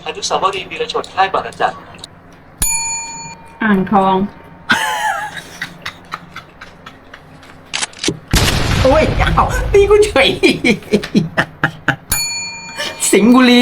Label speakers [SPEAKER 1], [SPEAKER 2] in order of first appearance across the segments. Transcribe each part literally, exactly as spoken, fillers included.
[SPEAKER 1] อนุสาวรีย์วีรชนค่ายบางระจัน
[SPEAKER 2] อ่างทอง
[SPEAKER 3] โอ้ยอ้าวตีกูเฉย สิงห์บุรี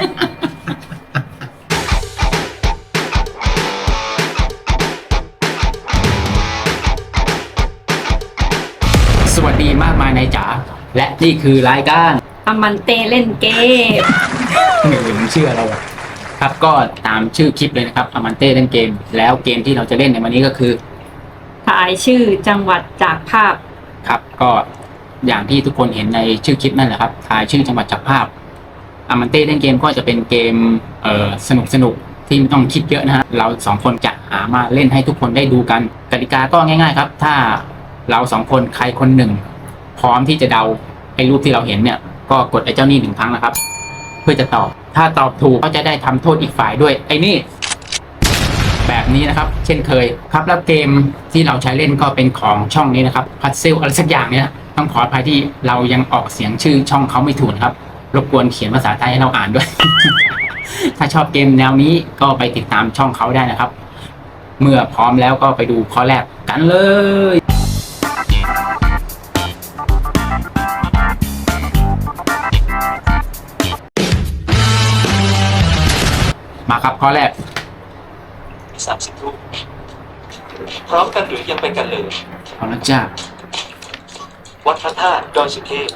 [SPEAKER 3] สวัสดีมากมายนายจ๋าและนี่คือรายการ
[SPEAKER 2] อมันเตเล่นเกม
[SPEAKER 3] หนึ่งเชื่อเราอะครับก็ตามชื่อคลิปเลยนะครับอมันเต้เล่นเกมแล้วเกมที่เราจะเล่นในวันนี้ก็คือ
[SPEAKER 2] ทายชื่อจังหวัดจากภาพ
[SPEAKER 3] ครับก็อย่างที่ทุกคนเห็นในชื่อคลิปนั่นแหละครับทายชื่อจังหวัดจากภาพอมันเต้เล่นเกมก็จะเป็นเกมเอ่อสนุกสนุกที่ไม่ต้องคิดเยอะนะฮะเราสองคนจะหามาเล่นให้ทุกคนได้ดูกันกติกาก็ง่ายๆครับถ้าเราสองคนใครคนหนึ่งพร้อมที่จะเดาไอ้รูปที่เราเห็นเนี่ยก็กดไอ้เจ้านี่หนึ่งครั้งนะครับเพื่อจะตอบถ้าตอบถูกก็จะได้ทำโทษอีกฝ่ายด้วยไอ้นี่แบบนี้นะครับ เช่นเคยครับแล้วเกมที่เราใช้เล่นก็เป็นของช่องนี้นะครับพัซเซิลอะไรสักอย่างเนี่ยต้องขออภัยที่เรายังออกเสียงชื่อช่องเขาไม่ถูกนะครับรบกวนเขียนภาษาไทยให้เราอ่านด้วย ถ้าชอบเกมแนวนี้ก็ไปติดตามช่องเขาได้นะครับเมื่อพร้อมแล้วก็ไปดูข้อแรกกันเลยมาครับข้อแรก
[SPEAKER 1] สามสิบรูปพร้อมกันหรือยังไปกันเลย
[SPEAKER 3] เอาละจ้า
[SPEAKER 1] วัดพระธาตุดอยสุเทพ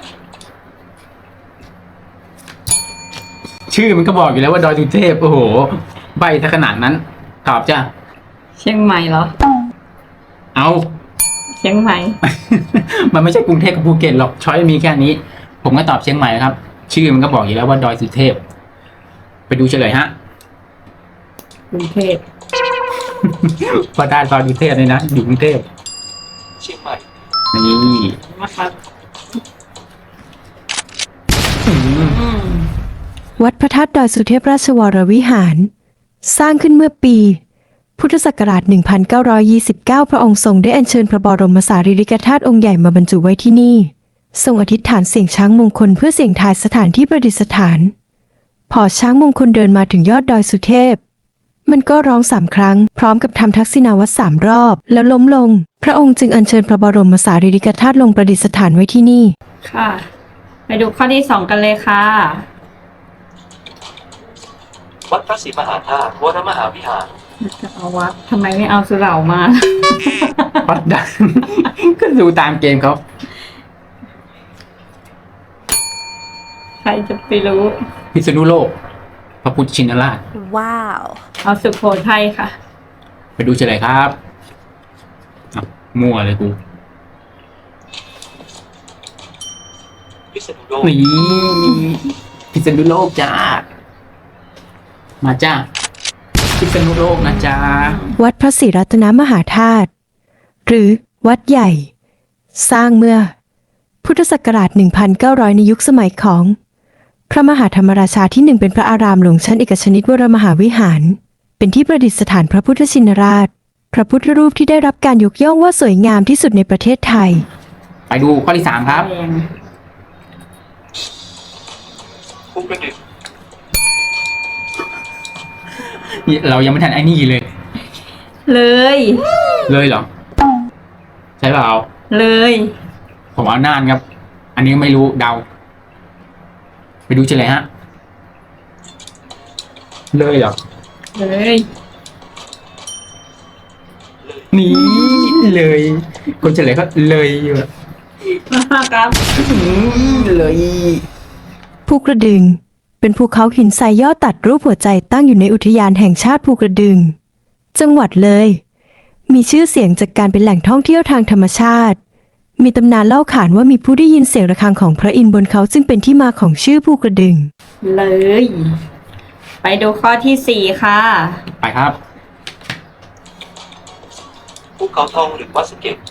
[SPEAKER 3] ชื่อมันก็บอกอยู่แล้วว่าดอยสุเทพโอ้โหใบถ้าขนาดนั้นตอบจ้า
[SPEAKER 2] เชียงใหม่เหรอ
[SPEAKER 3] เอา
[SPEAKER 2] เชียงใหม่
[SPEAKER 3] มันไม่ใช่กรุงเทพกับภูเก็ตหรอกช้อยมีแค่นี้ ผมก็ตอบเชียงใหม่ครับ ชื่อมันก็บอกอยู่แล้วว่าดอยสุเทพไปดูเฉลยฮะ
[SPEAKER 2] กรุงเทพ
[SPEAKER 3] พอได้ดอยสุเทพเลยนะอยู่กรุงเทพ
[SPEAKER 1] เชียงใหม่
[SPEAKER 3] นี่
[SPEAKER 2] นะครับ
[SPEAKER 3] อืม
[SPEAKER 2] อืม
[SPEAKER 4] วัดพระธาตุดอยสุเทพราชวรวิหาร สร้างขึ้นเมื่อปี พุทธศักราช หนึ่งพันเก้าร้อยยี่สิบเก้า พระองค์ทรงได้อัญเชิญพระบรมสารีริกธาตุองค์ใหญ่มาบรรจุไว้ที่นี่ ทรงอธิษฐานเสียงช้างมงคลเพื่อเสี่ยงทายสถานที่ประดิษฐาน พอช้างมงคลเดินมาถึงยอดดอยสุเทพ มันก็ร้องสามครั้ง พร้อมกับทำทักษิณาวัตรสามรอบ แล้วล้มลง พระองค์จึงอัญเชิญพระบรมสารีริกธาตุลงประดิษฐานไว้ที่นี่
[SPEAKER 2] ค่ะ ไปดูข้อที่สองกันเลยค่ะ
[SPEAKER 1] วัดพระศรีมหาธาตุวรมหาวิหาร
[SPEAKER 2] จะเอาวัดทำไมไม่เอาสุเหร่ามา
[SPEAKER 3] วัดดัง ก็ดูตามเกมเขา
[SPEAKER 2] ใครจะไปรู้
[SPEAKER 3] พิษณุโลก พระพุทธชินราช
[SPEAKER 5] Wow.
[SPEAKER 2] เอาสุโขทัยค่ะ
[SPEAKER 3] ไปดูเฉลยครับอ่ะมั่วเลยกู
[SPEAKER 1] พิษณุโลก
[SPEAKER 3] นี่พิษณุโลกจ้า มาจ้าพิษณุโลกนะจ้า
[SPEAKER 4] วัดพระศรีรัตนมหาธาตุหรือวัดใหญ่ สร้างเมื่อ พุทธศักราช หนึ่งพันเก้าร้อย ในยุคสมัยของ พระมหาธรรมราชาที่หนึ่งเป็นพระอารามหลวงชั้นเอกชนิตวรมหาวิหาร เป็นที่ประดิษฐานพระพุทธชินราช พระพุทธรูปที่ได้รับการยกย่องว่าสวยงามที่สุดในประเทศไทย
[SPEAKER 3] ไปดูข้อที่สามครับ
[SPEAKER 2] แรง
[SPEAKER 1] ภูกระดึง
[SPEAKER 3] นี่เรายังไม่ทันไอ้นี่เลย
[SPEAKER 2] เลย
[SPEAKER 3] เลยเหรอ ใช่เปล่า
[SPEAKER 2] เลย
[SPEAKER 3] ผมเอาน่านครับ อันนี้ไม่รู้เดา ไปดูเฉลยฮะ เลยเหรอ
[SPEAKER 2] เลย
[SPEAKER 3] นี่เลย คนเฉลยก็เลยอยู่อะ
[SPEAKER 2] ครับ
[SPEAKER 3] อืมเลย
[SPEAKER 4] ภูกระดึง เป็นภูเขาหินทรายยอดตัดรูปหัวใจตั้งอยู่ในอุทยานแห่งชาติภูกระดึง จังหวัดเลย มีชื่อเสียงจากการเป็นแหล่งท่องเที่ยวทางธรรมชาติ มีตำนานเล่าขานว่ามีผู้ได้ยินเสียงระฆังของพระอินทร์บนเขาจึงเป็นที่มาของชื่อภูกระดึง
[SPEAKER 2] เลย ไปดูข้อที่สี่ค่ะ
[SPEAKER 3] ไปครับ
[SPEAKER 1] ภูเขาทองหรือวัดสะเก็ด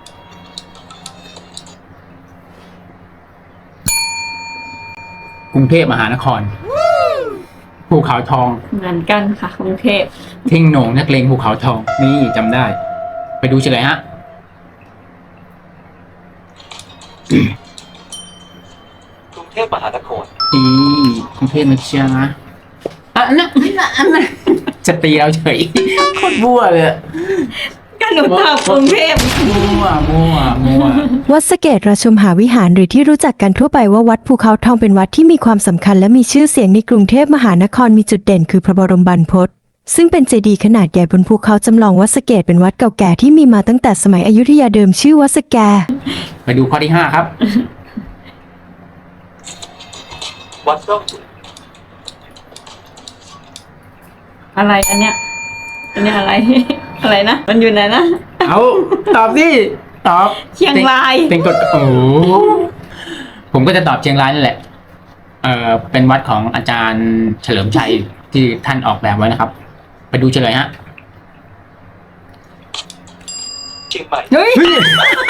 [SPEAKER 3] กรุงเทพมหานคร ภูเขาทอง
[SPEAKER 2] เหมือนกันค่ะกรุงเทพ
[SPEAKER 3] ทิ้งโหน่งนักเลงภูเขาทอง นี่จำได้ ไปดูเฉลยฮะ
[SPEAKER 1] กรุงเทพมหานคร
[SPEAKER 3] นี่กรุงเทพนะจ๊ะอันนั้นอันนั้นอันนั้นจะตีเราเฉยโคตรบัวเลยอะ
[SPEAKER 2] ก็หนูตอบกรุงเทพ
[SPEAKER 3] มั่วมั่วมั่ว
[SPEAKER 4] วัดสะเกตราชมหาวิหารหรือที่รู้จักกันทั่วไปว่าวัดภูเขาทองเป็นวัดที่มีความสำคัญและมีชื่อเสียงในกรุงเทพมหานครมีจุดเด่นคือพระบรมบรรพตซึ่งเป็นเจดีย์ขนาดใหญ่บนภูเขาจำลองวัดสะเกตเป็นวัดเก่าแก่ที่มีมาตั้งแต่สมัยอยุธยาเดิมชื่อวัดสะแก
[SPEAKER 3] ไปดูข้อที่ห้าครับ
[SPEAKER 1] วัดร่องขุน
[SPEAKER 2] อะไรอันเนี้ยอันเนี้ยอะไร อะไรนะมันอยู่ไหนนะ
[SPEAKER 3] เอาตอบสิตอบ
[SPEAKER 2] เชียงราย
[SPEAKER 3] เป็นกฎโอ้โหผมก็จะตอบเชียงรายนั่นแหละ เออเป็นวัดของอาจารย์เฉลิมชัยที่ท่านออกแบบไว้นะครับ ไปดูเฉลยฮะ
[SPEAKER 1] เชียงใหม่
[SPEAKER 2] เฮ้ย
[SPEAKER 3] เฮ้ย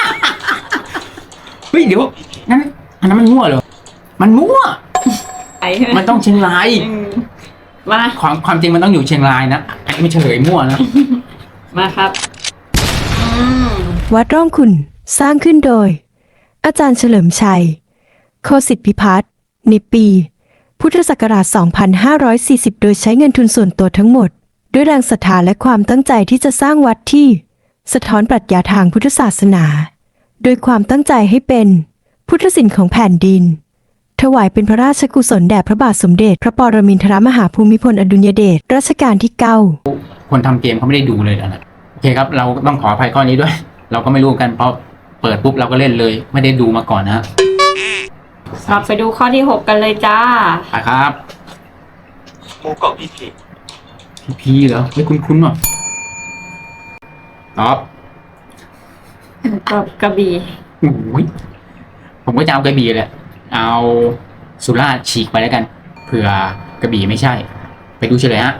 [SPEAKER 3] เฮ้ยเดี๋ยวนั่นอันนั้นมันมั่วเหรอมันมั่ว
[SPEAKER 2] ไอ้
[SPEAKER 3] มันต้องเชียงราย
[SPEAKER 2] อืมมา
[SPEAKER 3] ความความจริงมันต้องอยู่เชียงรายนะอันนี้ไม่เฉลยมั่วนะ
[SPEAKER 2] มาครับอืม
[SPEAKER 4] วัดร่องขุ่นสร้างขึ้นโดย อาจารย์เฉลิมชัย โคสิทธิพิพัฒน์ในปี พุทธศักราช สองพันห้าร้อยสี่สิบ โดยใช้เงินทุนส่วนตัวทั้งหมด ด้วยแรงศรัทธาและความตั้งใจที่จะสร้างวัดที่ สะท้อนปรัชญาทางพุทธศาสนา โดยความตั้งใจให้เป็นพุทธศิลป์ของแผ่นดิน ถวายเป็นพระราชกุศลแด่พระบาทสมเด็จพระปรมินทรมหาภูมิพลอดุลยเดชรัชกาลที่เก้า
[SPEAKER 3] คนทำเกมเขาไม่ได้ดูเลยนะโอเคครับ เราต้องขออภัยข้อนี้ด้วย เราก็ไม่รู้กันเพราะเปิดปุ๊บเราก็เล่นเลย ไม่ได้ดูมาก่อนนะ
[SPEAKER 2] เราไปดูข้อที่หกกันเลยจ้า
[SPEAKER 3] ไปครับ
[SPEAKER 1] หมู่เกาะพีพี
[SPEAKER 3] พีพีเหรอไม่คุ้นๆว่ะตอบ
[SPEAKER 2] ก็กระบี่
[SPEAKER 3] โอ้ยผมก็จะเอากระบี่แหละเอาสุราษฎร์ฉีกไปแล้วกันเผื่อกระบี่ไม่ใช่ ไปดูเฉลยฮะ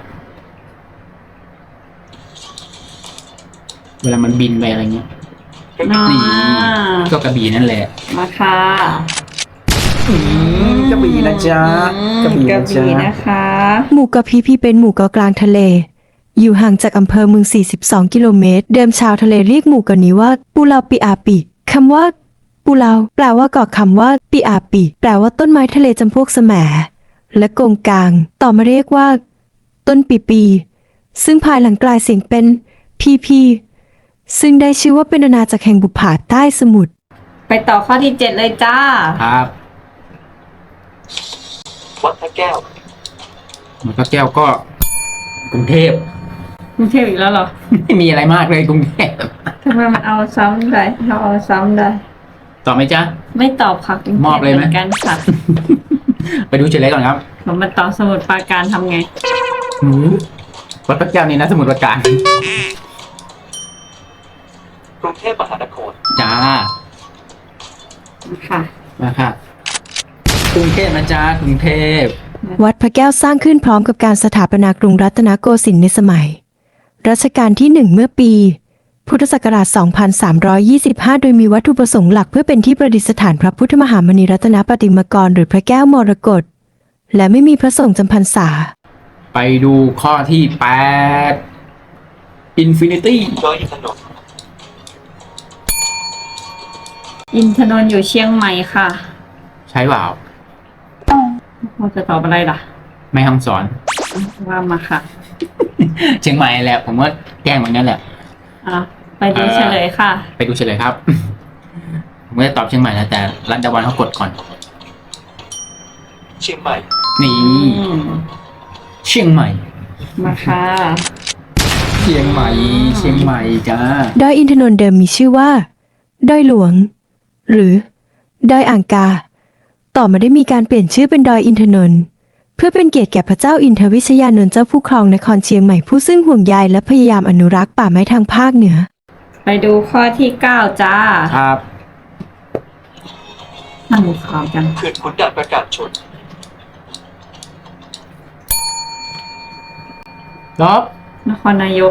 [SPEAKER 3] เวลามันบินไปอะไรเงี้ย
[SPEAKER 2] อ่า
[SPEAKER 3] นี่ก็กระบี่นั่นแหละ
[SPEAKER 2] มาค่ะ
[SPEAKER 3] กระบี่นะจ๊ะ
[SPEAKER 2] อืมกระบี่นะคะ
[SPEAKER 4] หมู่เกาะพีพีเป็นหมู่เกาะกลางทะเล อยู่ห่างจากอำเภอเมือง สี่สิบสอง กิโลเมตร เดิมชาวทะเลเรียกหมู่เกาะนี้ว่าปูเลาปิอาปิคำว่าปูเลาแปลว่าเกาะคำว่าปิอาปิแปลว่าต้นไม้ทะเลจำพวกแสมและโกงกาง ต่อมาเรียกว่า ต้นปีปี ซึ่งภายหลังกลายเสียงเป็นพีพีซึ่งได้ชื่อว่าเป็นอาณาจักรแห่งบุปผาใต้สมุทร
[SPEAKER 2] ไปต่อข้อที่เจ็ดเลยจ้า
[SPEAKER 3] ครับ
[SPEAKER 1] วัดพระแก้ว
[SPEAKER 3] มันก็แก้วก็กรุงเทพ
[SPEAKER 2] กรุงเทพอีกแล้วเหรอ
[SPEAKER 3] ไม่มีอะไรมากเลยกรุงเทพ
[SPEAKER 2] ทำไมมันเอาซ้ำได้เราเอาซ้ำได้
[SPEAKER 3] ตอบไหมจ๊ะ
[SPEAKER 2] ไม่ตอบค่ะกรุงเทพ
[SPEAKER 3] มอบเลยไหม
[SPEAKER 2] เหมือนกันค่ะ
[SPEAKER 3] ไปดูเฉลยก่อนครับ
[SPEAKER 2] ผมมาตอบสมุดปราการทำไง
[SPEAKER 3] หือวัดพระแก้วนี่นะสมุทรปราการ
[SPEAKER 1] กรุงเทพมหานคร
[SPEAKER 3] จ้า
[SPEAKER 2] ค่ะ
[SPEAKER 3] มาค่ะกรุงเทพนะจ๊ะกรุงเทพ
[SPEAKER 4] วัดพระแก้วสร้างขึ้นพร้อมกับการสถาปนากรุงรัตนโกสินทร์ในสมัย รัชกาลที่หนึ่งเมื่อปี พุทธศักราช สองพันสามร้อยยี่สิบห้า โดยมีวัตถุประสงค์หลักเพื่อเป็นที่ประดิษฐานพระพุทธมหามณีรัตนปฏิมากรหรือพระแก้วมรกต และไม่มีพระสงฆ์จำพรรษา
[SPEAKER 3] ไปดูข้อที่แปด Infinity
[SPEAKER 1] ดอยอินทนนท์
[SPEAKER 2] อินทนนท์อยู่เชียงใหม่ค่ะ
[SPEAKER 3] ใช่เปล่า
[SPEAKER 2] เราจะตอบอะไรล่ะ
[SPEAKER 3] แม่ฮ่องสอน
[SPEAKER 2] ว่ามาค่ะ
[SPEAKER 3] เชียงใหม่แหละ ผมว่าแกล้งเหมือนกันแหละ
[SPEAKER 2] อ่ะไปดูเฉลยค่ะ
[SPEAKER 3] ไปดูเฉลยครับ ผมก็จะตอบเชียงใหม่นะแต่รัฐดาวันเขากดก่อน
[SPEAKER 1] เชียงใหม่
[SPEAKER 3] นี่
[SPEAKER 2] อืม
[SPEAKER 3] เชียงใหม่
[SPEAKER 2] มาค่ะ
[SPEAKER 3] เชียงใหม่ เชียงใหม่จ้า
[SPEAKER 4] ดอยอินทนนท์เดิมมีชื่อว่า ดอยหลวง หรือ ดอยอ่างกา ต่อมาได้มีการเปลี่ยนชื่อเป็นดอยอินทนนท์เพื่อเป็นเกียรติแก่พระเจ้าอินทวิชยานนท์เจ้าผู้ครองนครเชียงใหม่ผู้ซึ่งห่วงใยและพยายามอนุรักษ์ป่าไม้ทางภาคเหนือ
[SPEAKER 2] ไปดูข้อที่เก้าจ้า
[SPEAKER 3] ครับ
[SPEAKER 2] นั่งดูข่าวกัน
[SPEAKER 1] เขื่อนขุนด่านประการชน
[SPEAKER 3] รอบ
[SPEAKER 2] นครนายก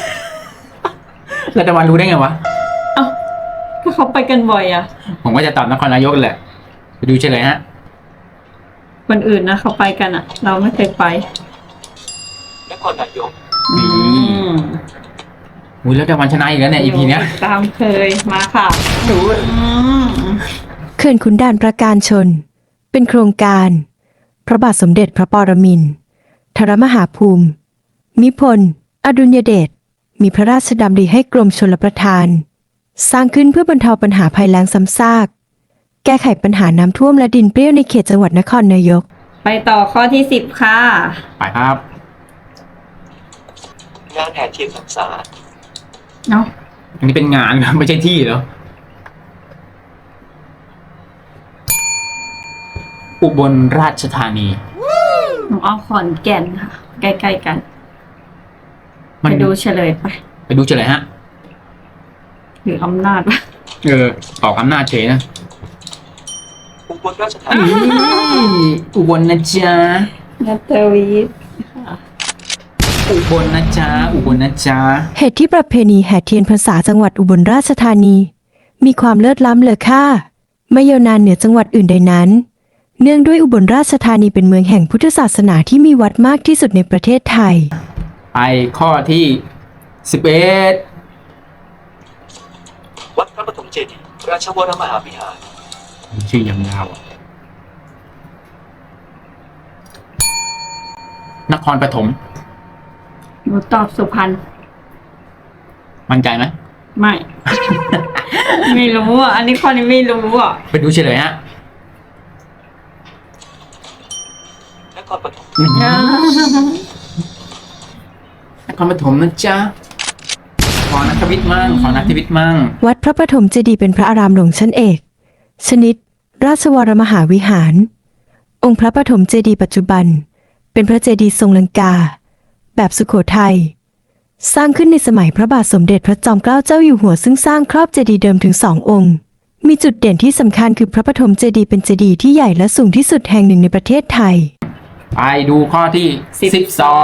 [SPEAKER 3] รัฐดาวันรู้ได้ไงวะ
[SPEAKER 2] เอ้าก็เขาไปกันบ่อยอะ
[SPEAKER 3] ผมก็จะตอบนครนายกแหละ ไปดูเฉลยฮะ
[SPEAKER 2] คนอื่นนะเขาไปกันอะเราไม่เคยไป
[SPEAKER 1] นครนายก
[SPEAKER 3] นี่
[SPEAKER 2] อืม
[SPEAKER 3] อุ้ยรัฐดาวันชนะอีกแล้วเนี่ย อี พี เนี้ย
[SPEAKER 2] ตามเคยมาค่ะ
[SPEAKER 3] ดู
[SPEAKER 2] อืม
[SPEAKER 4] เขื่อนขุนด่านประการชน เป็นโครงการ พระบาทสมเด็จพระปรมินททรมหาภูมิ นิพนธ์ อดุลยเดช มีพระราชดำริให้กรมชลประทาน สร้างขึ้นเพื่อบรรเทาปัญหาภัยแล้งซ้ำซาก แก้ไขปัญหาน้ำท่วมและดินเปรี้ยวในเขตจังหวัดนครนายก
[SPEAKER 2] ไปต่อข้อที่สิบค่ะ
[SPEAKER 3] ไปครับ
[SPEAKER 1] งานแห่เทียนพรรษา
[SPEAKER 2] เนาะ
[SPEAKER 3] อันนี้เป็นงานนะไม่ใช่ที่เหรอ อุบลราชธานี
[SPEAKER 2] หนูเอาขอนแก่นค่ะ ใกล้ๆกัน
[SPEAKER 3] มั
[SPEAKER 2] ไป
[SPEAKER 3] น
[SPEAKER 2] ดูเฉลยไป
[SPEAKER 3] ไปดูเฉลยฮะ
[SPEAKER 2] หรืออำนาจวะ
[SPEAKER 3] เออออกอำนาจเฉยนะ
[SPEAKER 1] อุบลราชธา
[SPEAKER 3] อื
[SPEAKER 1] นี
[SPEAKER 3] มอุบลนะจ๊ะ
[SPEAKER 2] นัตวีท
[SPEAKER 3] อุบลนะจ๊ะ อุบลนะจ๊ะ
[SPEAKER 4] เหตุที่ประเพณีแห่เทียนพรรษาจังหวัดอุบลราชธานี มีความเลิศล้ำเลอค่าไม่ยาวนานเหนือจังหวัดอื่นใดนั้น เนื่องด้วยอุบลราชธานีเป็นเมืองแห่งพุทธศาสนาที่มีวัดมากที่สุดในประเทศไทย
[SPEAKER 3] ไปข้อที่สิบเอ็ด
[SPEAKER 1] วัดพระปฐมเจดีย์ราชวรมหาวิหาร
[SPEAKER 3] ชื่อยาวๆอะนครปฐม
[SPEAKER 2] หนูตอบสุพรรณ
[SPEAKER 3] มั่นใจไหม
[SPEAKER 2] ไม่ ไม่รู้อ่ะ อันนี้ข้อนี้ไม่รู้อ่ะ
[SPEAKER 3] ไปดูเฉลยฮะ
[SPEAKER 1] นครปฐม
[SPEAKER 3] นครปฐมนะจ๊ะ ขอนักวิทย์มั่งขอนักวิทย์มั่ง
[SPEAKER 4] วัดพระปฐมเจดีย์เป็นพระอารามหลวงชั้นเอก ชนิด ราชวรมหาวิหาร องค์พระปฐมเจดีย์ปัจจุบัน เป็นพระเจดีย์ทรงลังกา แบบสุโขทัย สร้างขึ้นในสมัยพระบาทสมเด็จพระจอมเกล้าเจ้าอยู่หัวซึ่งสร้างครอบเจดีย์เดิมถึงสององค์ มีจุดเด่นที่สำคัญคือพระปฐมเจดีย์เป็นเจดีย์ที่ใหญ่และสูงที่สุดแห่งหนึ่งในประเทศไทย
[SPEAKER 3] ไปดูข้อที่
[SPEAKER 2] สิบ
[SPEAKER 3] สิบสอง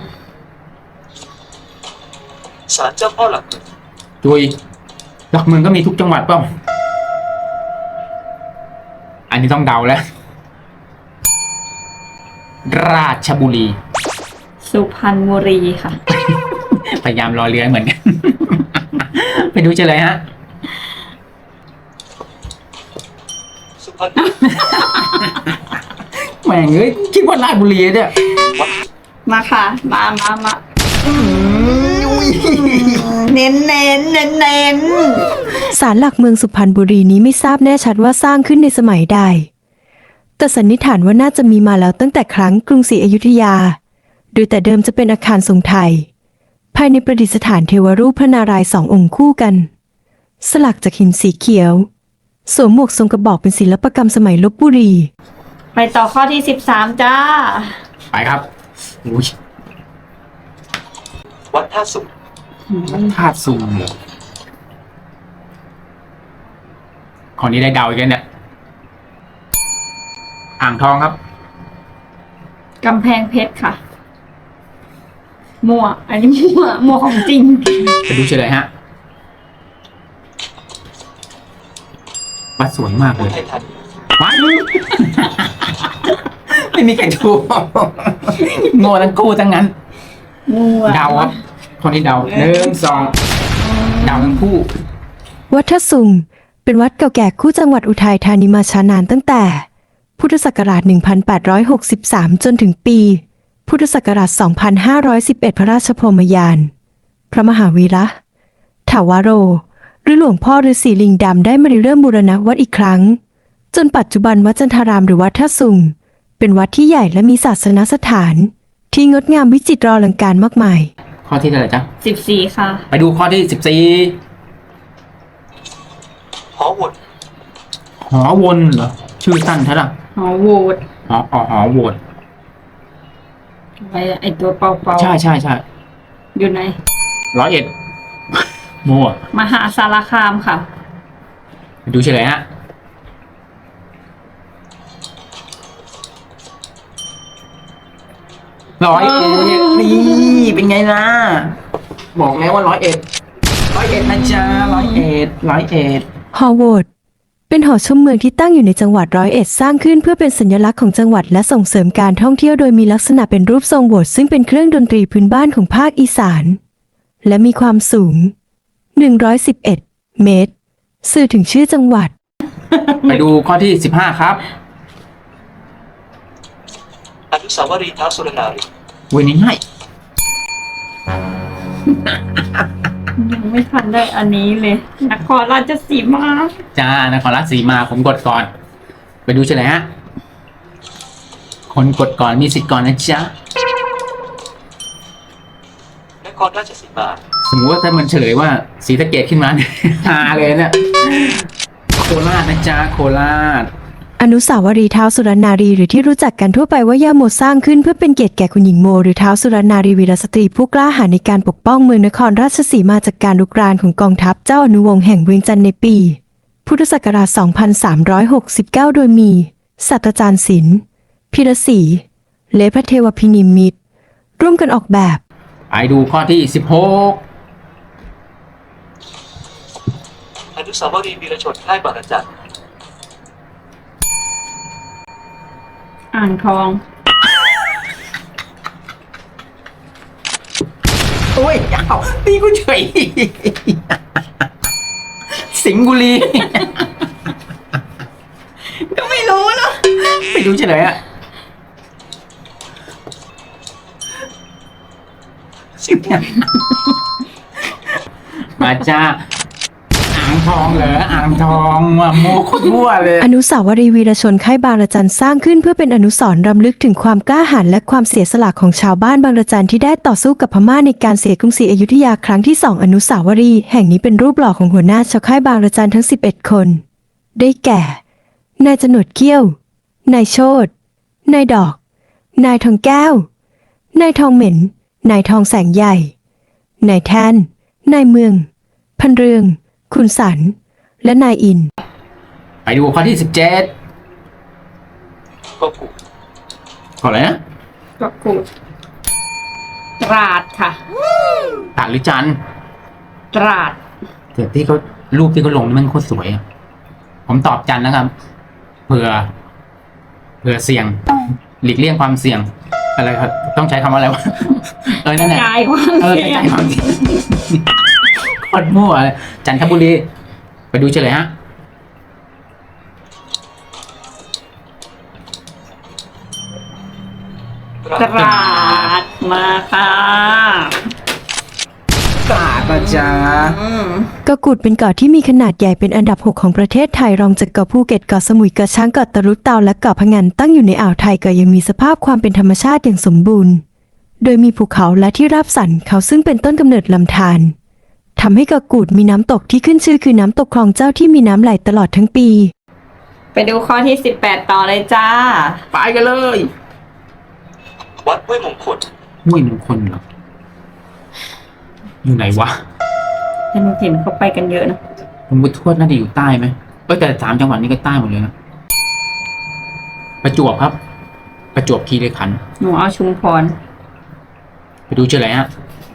[SPEAKER 1] ศาลเจ้าพ่อหลักเมือง
[SPEAKER 3] จุยหลักเมืองก็มีทุกจังหวัดเปล่า อันนี้ต้องเดาแล้ว ราชบุรี
[SPEAKER 2] สุพรรณบุรีค่ะ
[SPEAKER 3] พยายามรอเรือเหมือนกัน ไปดูเฉลยฮะ
[SPEAKER 1] สุพรรณบุรี
[SPEAKER 3] แหม่งเอ้ยคิดว่าราชบุรีเนี่ย
[SPEAKER 2] มาค่ะ มามามาเน้นเน้นเน้นเน้น
[SPEAKER 4] ศาลหลักเมืองสุพรรณบุรีนี้ไม่ทราบแน่ชัดว่าสร้างขึ้นในสมัยใด แต่สันนิษฐานว่าน่าจะมีมาแล้วตั้งแต่ครั้งกรุงศรีอยุธยา โดยแต่เดิมจะเป็นอาคารทรงไทย ภายในประดิษฐานเทวรูปพระนารายณ์สององค์คู่กัน สลักจากหินสีเขียว สวมหมวกทรงกระบอกเป็นศิลปกรรมสมัยลพบุรี
[SPEAKER 2] ไปต่อข้อที่สิบสามจ้า
[SPEAKER 3] ไปครับอุ้ย
[SPEAKER 1] วัดท่าสุง
[SPEAKER 3] ธาตุสูงเหรอข้อนี้ได้เดาอีกแล้วเนี่ย อ่างทองครับ
[SPEAKER 2] กำแพงเพชรค่ะ มั่ว อันนี้มั่ว มั่วของจริง
[SPEAKER 3] ไปดูเฉลยฮะ วัดสวยมาก
[SPEAKER 1] อุ
[SPEAKER 3] เลย
[SPEAKER 1] ทัยธานี
[SPEAKER 3] วัด ไม่มีใครถูก โง่ทั้งคู่ทั้งนั้น
[SPEAKER 2] มั่ว
[SPEAKER 3] เดาครับคนที่เดาหนึ่งสองเดาทั้งคู่
[SPEAKER 4] วัดท่าสุงเป็นวัดเก่าแก่คู่จังหวัดอุทัยธานีมาช้านานตั้งแต่ พุทธศักราช หนึ่งพันแปดร้อยหกสิบสาม จนถึงปี พุทธศักราช สองพันห้าร้อยสิบเอ็ด พระราชพรหมยาน พระมหาวีระถาวโร หรือหลวงพ่อฤาษีลิงดำได้มาริเริ่มบูรณะวัดอีกครั้ง จนปัจจุบันวัดจันทารามหรือวัดท่าสุงเป็นวัดที่ใหญ่และมีศาสนสถาน ที่งดงามวิจิตรอลังการมากมาย
[SPEAKER 3] ข้อที่เท่าไหร่จ๊ะ
[SPEAKER 2] สิบสี่ค่ะ
[SPEAKER 3] ไปดูข้อที่สิบสี่
[SPEAKER 1] หอวน
[SPEAKER 3] หอวนเหรอ ชื่อสั้นใช่หรอ
[SPEAKER 2] หอโหวต
[SPEAKER 3] หออ๋อหอวน
[SPEAKER 2] ไอไอตัวเปาๆ
[SPEAKER 3] ใช่ใช่ใช่
[SPEAKER 2] อยู่ไหน
[SPEAKER 3] ร้อยเอ็ด มั่ว
[SPEAKER 2] มหาสารคามค่ะ
[SPEAKER 3] ไปดูเฉลยฮะ ร้อยเอ็ดนี่เป็นไงล่ะ บอกแล้วว่าร้อยเอ็ด ร้อยเอ็ดนะจ๊ะร้อยเอ็ด ร้อยเอ็ด
[SPEAKER 4] หอโหวตเป็นหอชมเมืองที่ตั้งอยู่ในจังหวัดร้อยเอ็ดสร้างขึ้นเพื่อเป็นสัญลักษณ์ของจังหวัดและส่งเสริมการท่องเที่ยวโดยมีลักษณะเป็นรูปทรงโหวตซึ่งเป็นเครื่องดนตรีพื้นบ้านของภาคอีสาน และมีความสูง หนึ่งร้อยสิบเอ็ด เมตร สื่อถึงชื่อจังหวัด
[SPEAKER 3] ไปดูข้อที่สิบห้าครับ
[SPEAKER 1] อนุสาวรีย์ท้าวสุรนารี
[SPEAKER 3] เว้ยนี่ง่าย
[SPEAKER 2] ยังไม่ทันได้อันนี้เลยนครราชสีมา
[SPEAKER 3] จ้านครราชสีมาผมกดก่อน ไปดูเฉลยฮะ คนกดก่อนมีสิทธิ์ก่อนนะจ๊ะ
[SPEAKER 1] นครราชสีมา
[SPEAKER 3] สมมติว่าถ้ามันเฉลยว่าศรีสะเกษขึ้นมาเนี่ย ฮาเลยเนี่ยโคราชนะจ๊ะโคราช
[SPEAKER 4] อนุสาวรีย์ท้าวสุรนารีหรือที่รู้จักกันทั่วไปว่าย่าโมสร้างขึ้นเพื่อเป็นเกียรติแก่คุณหญิงโมหรือท้าวสุรนารีวีรสตรีผู้กล้าหาญในการปกป้องเมืองนครราชสีมาจากการรุกรานของกองทัพเจ้าอนุวงศ์แห่งเวียงจันทร์ในปี พุทธศักราช สองพันสามร้อยหกสิบเก้า โดยมี ศาสตราจารย์ศิลป์พิรศรีและพระเทวพินิมิตรร่วมกันออกแบบ
[SPEAKER 3] ไปดูข้อที่สิบหก
[SPEAKER 1] อนุสาวรีย์วีรชนค่ายบางระจัน
[SPEAKER 2] อ่างทอง
[SPEAKER 3] โอ้ยเอาตีกูเฉย สิงห์บุรี ก็ไม่รู้นะไปดูเฉลยอะ
[SPEAKER 1] สิงห์บุรี
[SPEAKER 3] มาจ้าอ่างทองเหรออ่างทองว่าโมโคตรมั่วเลย
[SPEAKER 4] อนุสาวรีย์วีรชนค่ายบางระจันสร้างขึ้นเพื่อเป็นอนุสรณ์รำลึกถึงความกล้าหาญและความเสียสละของชาวบ้านบางระจันที่ได้ต่อสู้กับพม่าในการเสียกรุงศรีอยุธยาครั้งที่สองอนุสาวรีย์แห่งนี้เป็นรูปหล่อของหัวหน้าชาวค่ายบางระจันทั้งสิบเอ็ดคน ได้แก่ นายจนวดเกี้ยว นายโชตินายดอก นายทองแก้ว นายทองเหม็น นายทองแสงใหญ่ นายแทน นายเมือง พันเรือง คุณสัน และนายอิน
[SPEAKER 3] ไปดูข้อที่สิบเจ็ด
[SPEAKER 1] ก็กู
[SPEAKER 3] ข้ออะไรนะ
[SPEAKER 2] กะกูดตราดค่ะ
[SPEAKER 3] ตาดหรือจันทร์
[SPEAKER 2] ตราด
[SPEAKER 3] แต่ที่เขารูปที่เขาลงนี่มันโคตรสวยอะผมตอบจันทร์นะครับเผื่อเผื่อเสี่ยง หลีกเลี่ยงความเสี่ยง อะไรครับต้องใช้คำว่าอะไรวะ เออนั่นแหละ
[SPEAKER 2] กายความ
[SPEAKER 3] เออ
[SPEAKER 2] เสี่ย
[SPEAKER 3] ใช้
[SPEAKER 2] ง
[SPEAKER 3] ความเสี่ยงโคตรมั่วเลยจันทบุรี ไปดูเฉลยฮะ
[SPEAKER 1] ตรา
[SPEAKER 2] ตราดมาค่ะ
[SPEAKER 3] ตราดนะจ๊ะ
[SPEAKER 2] อืม
[SPEAKER 4] เกาะกูดเป็นเกาะที่มีขนาดใหญ่เป็นอันดับหกของประเทศไทยรองจากเกาะภูเก็ตเกาะสมุยเกาะช้างเกาะตะลุเตาและเกาะพะงันตั้งอยู่ในอ่าวไทยเกาะยังมีสภาพความเป็นธรรมชาติอย่างสมบูรณ์ โดยมีภูเขาและที่ราบสันเขาซึ่งเป็นต้นกำเนิดลำธารทำให้เกาะกูดมีน้ำตกที่ขึ้นชื่อคือน้ำตกคลองเจ้าที่มีน้ำไหลตลอดทั้งปี
[SPEAKER 2] ไปดูข้อที่สิบแปดต่อเลยจ้า
[SPEAKER 3] ไปกันเลย
[SPEAKER 1] วัดห้วยมงคล
[SPEAKER 3] ห้วยมงคลเหรอ อยู่ไหนวะ
[SPEAKER 2] เห็นเห็นเขาไปกันเยอะนะ
[SPEAKER 3] ผมบุทวดน่าจะอยู่ใต้ไหมเออแต่สามจังหวัดนี้ก็ใต้หมดเลยนะ ประจวบครับ ประจวบคีรีขันธ์
[SPEAKER 2] หนูเอาชุมพร
[SPEAKER 3] ไปดูเฉลยฮะ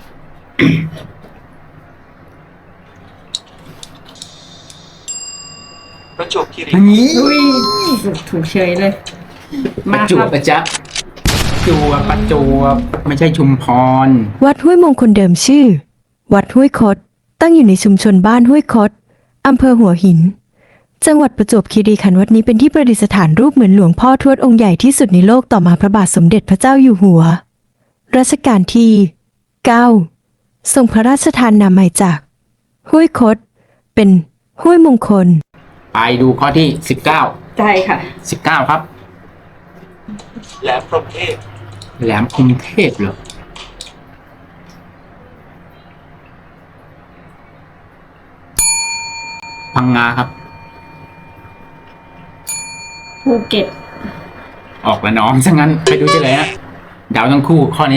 [SPEAKER 1] ประจวบคีรี
[SPEAKER 3] นี่
[SPEAKER 2] อุ้ยถูกเฉยเลย
[SPEAKER 3] ป
[SPEAKER 2] มา
[SPEAKER 3] ระจ
[SPEAKER 2] คว รั
[SPEAKER 3] บบ นะจ๊ะประจวบประจวบไม่ใช่ชุมพร
[SPEAKER 4] วัดห้วยมงคลเดิมชื่อ วัดห้วยคด ตั้งอยู่ในชุมชนบ้านห้วยคด อำเภอหัวหิน จังหวัดประจวบคีรีขันธ์วัดนี้เป็นที่ประดิษฐานรูปเหมือนหลวงพ่อทวดองค์ใหญ่ที่สุดในโลกต่อมาพระบาทสมเด็จพระเจ้าอยู่หัว รัชกาลที่ เก้า ทรงพระราชทานนามใหม่จาก ห้วยคด เป็นห้วยมงคล
[SPEAKER 3] ไปดูข้อที่สิบเก้า
[SPEAKER 2] ใช่ค่ะ
[SPEAKER 3] สิบเก้าครับ
[SPEAKER 1] แหลมพรหมเทพ
[SPEAKER 3] แหลมกรุงเทพเหรอ พังงาครับ
[SPEAKER 2] ภูเก็ต
[SPEAKER 3] ออกแล้วน้องซะงั้น ไปดูเฉลยฮะเดาทั้งคู่ข้อนี้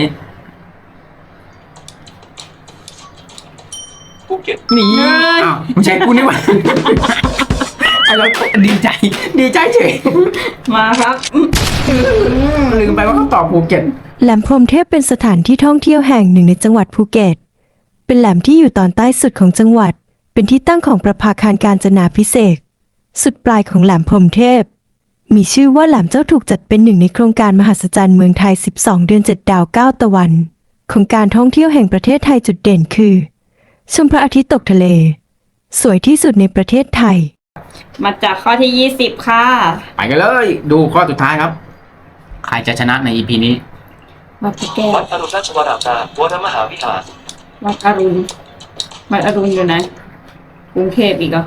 [SPEAKER 1] ภูเก็ต
[SPEAKER 3] หนีอ้าวไม่ใช่กูนี่หว่า ไอ้เราดีใจ ดีใจเฉย
[SPEAKER 2] มาครับ
[SPEAKER 3] ลืมไปว่าเขาตอบภูเก็ต
[SPEAKER 4] แหลมพรหมเทพเป็นสถานที่ท่องเที่ยวแห่งหนึ่งในจังหวัดภูเก็ต เป็นแหลมที่อยู่ตอนใต้สุดของจังหวัด เป็นที่ตั้งของประภาคารกาญจนาภิเษก สุดปลายของแหลมพรหมเทพ มีชื่อว่าแหลมเจ้าถูกจัดเป็นหนึ่งในโครงการมหัศจรรย์เมืองไทย สิบสอง เดือน เจ็ด ดาว เก้า ตะวัน ของการท่องเที่ยวแห่งประเทศไทยจุดเด่นคือ ชมพระอาทิตย์ตกทะเล สวยที่สุดในประเทศไทย
[SPEAKER 2] มาจากข้อที่ยี่สิบค่ะ
[SPEAKER 3] ไปกันเลย ดูข้อสุดท้ายครับ ใครจะชนะใน อี พี นี้
[SPEAKER 2] วัดพระแก้ว
[SPEAKER 1] วัดอรุณราชวรารามวรมหาวิหาร
[SPEAKER 2] วัดอรุณวัดอรุณอยู่ไหนกรุงเทพอีกเหรอก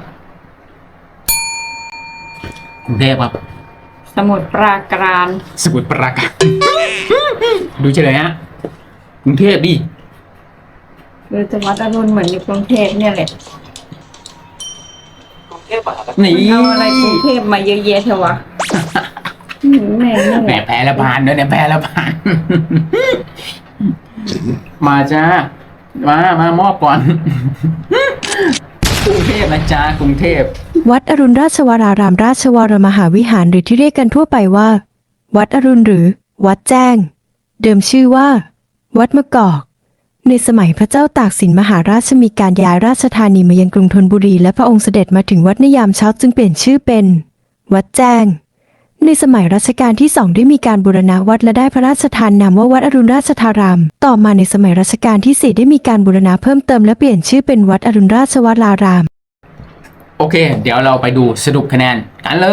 [SPEAKER 3] รุงเทพครับ
[SPEAKER 2] สมุทรปราการ
[SPEAKER 3] สมุทรปราการ ดูเฉลยฮะกรุงเทพดิ
[SPEAKER 2] หรือจะวัดอรุณเหมือนอยู่กรุงเทพเนี่ยแหละ
[SPEAKER 1] กรุงเทพมหานคร
[SPEAKER 3] นี่
[SPEAKER 2] เอาอะไรกรุงเทพมาเยอะแยะเถอะวะหืมแม่งนี่
[SPEAKER 3] แหม
[SPEAKER 2] แหละ
[SPEAKER 3] แพ้ละพานเนอะเนี่ยแพ้ละพาน มาจ้า มามามอบก่อน กรุงเทพนะจ้ากรุงเทพ
[SPEAKER 4] วัดอรุณราชวรารามราชวรมหาวิหารหรือที่เรียกกันทั่วไปว่า วัดอรุณหรือ วัดแจ้ง เดิมชื่อว่า วัดมะกอก ในสมัยพระเจ้าตากสินมหาราชมีการย้ายราชธานีมายังกรุงธนบุรีและพระองค์เสด็จมาถึงวัดในยามเช้าจึงเปลี่ยนชื่อเป็น วัดแจ้ง ในสมัยรัชกาลที่สองได้มีการบูรณะวัดและได้พระราชทานนามว่าวัดอรุณราชธาราม ต่อมาในสมัยรัชกาลที่สี่ได้มีการบูรณะเพิ่มเติมและเปลี่ยนชื่อเป็นวัดอรุณราชวราราม
[SPEAKER 3] โอเค เดี๋ยวเราไปดูสรุปคะแนนกันเลย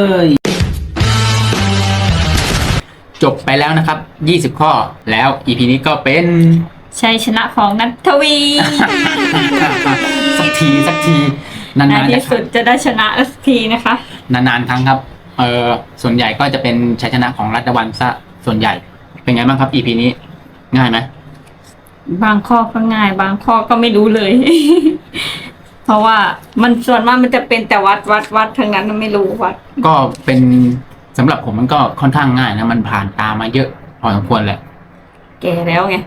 [SPEAKER 3] จบไปแล้วนะครับ ยี่สิบ ข้อ แล้ว อี พี นี้ก็เป็น
[SPEAKER 2] ชัยชนะของนัทวี
[SPEAKER 3] สักทีสักที
[SPEAKER 2] ใน
[SPEAKER 3] นานๆ
[SPEAKER 2] ที่สุดจะได้ชนะสักทีนะคะ
[SPEAKER 3] นานๆครั้งครับ เออส่วนใหญ่ก็จะเป็นชัยชนะของรัฐวันซะส่วนใหญ่ เป็นไงบ้างครับ อี พี นี้ ง่ายไหม
[SPEAKER 2] บางข้อก็ง่าย บางข้อก็ไม่รู้เลย เพราะว่ามันส่วนมากมันจะเป็นแต่วัดวัดวัดทั้งนั้นมันไม่รู้วัด
[SPEAKER 3] ก็เป็นสำหรับผมมันก็ค่อนข้างง่ายนะ มันผ่านตามาเยอะพอสมควรแหละ
[SPEAKER 2] แก่แล้วไง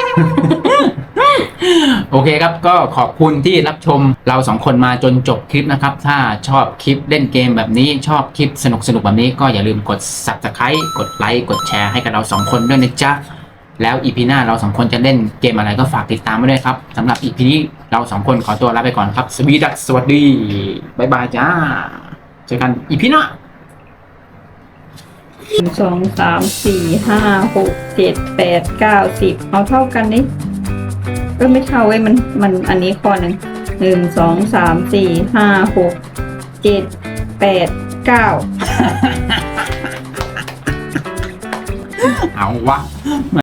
[SPEAKER 3] โอเคครับ ก็ขอบคุณที่รับชมเราสองคนมาจนจบคลิปนะครับ ถ้าชอบคลิปเล่นเกมแบบนี้ ชอบคลิปสนุกสนุกแบบนี้ก็อย่าลืมกด ซับสไครบ์ กดไลค์ กดแชร์ให้กับเราสองคนด้วยนะจ๊ะ แล้ว อี พี หน้าเราสองคนจะเล่นเกมอะไรก็ฝากติดตามไว้ด้วยครับสำหรับ อี พี นี้เราสองคนขอตัวลาไปก่อนครับ สวีดัสสวัสดี บ๊ายบายจ้า เจอกัน อี พี หน้า
[SPEAKER 2] หนึ่งสองสามสี่ห้าหกเจ็ดแปดเก้าสิบเอาเท่ากันนี่ก็ไม่เท่าเว้ยมันมันอันนี้ข้อหนึ่งหนึ่งสองสามสี่ห้าหกเจ็ดแปดเก้า
[SPEAKER 3] เอาวะ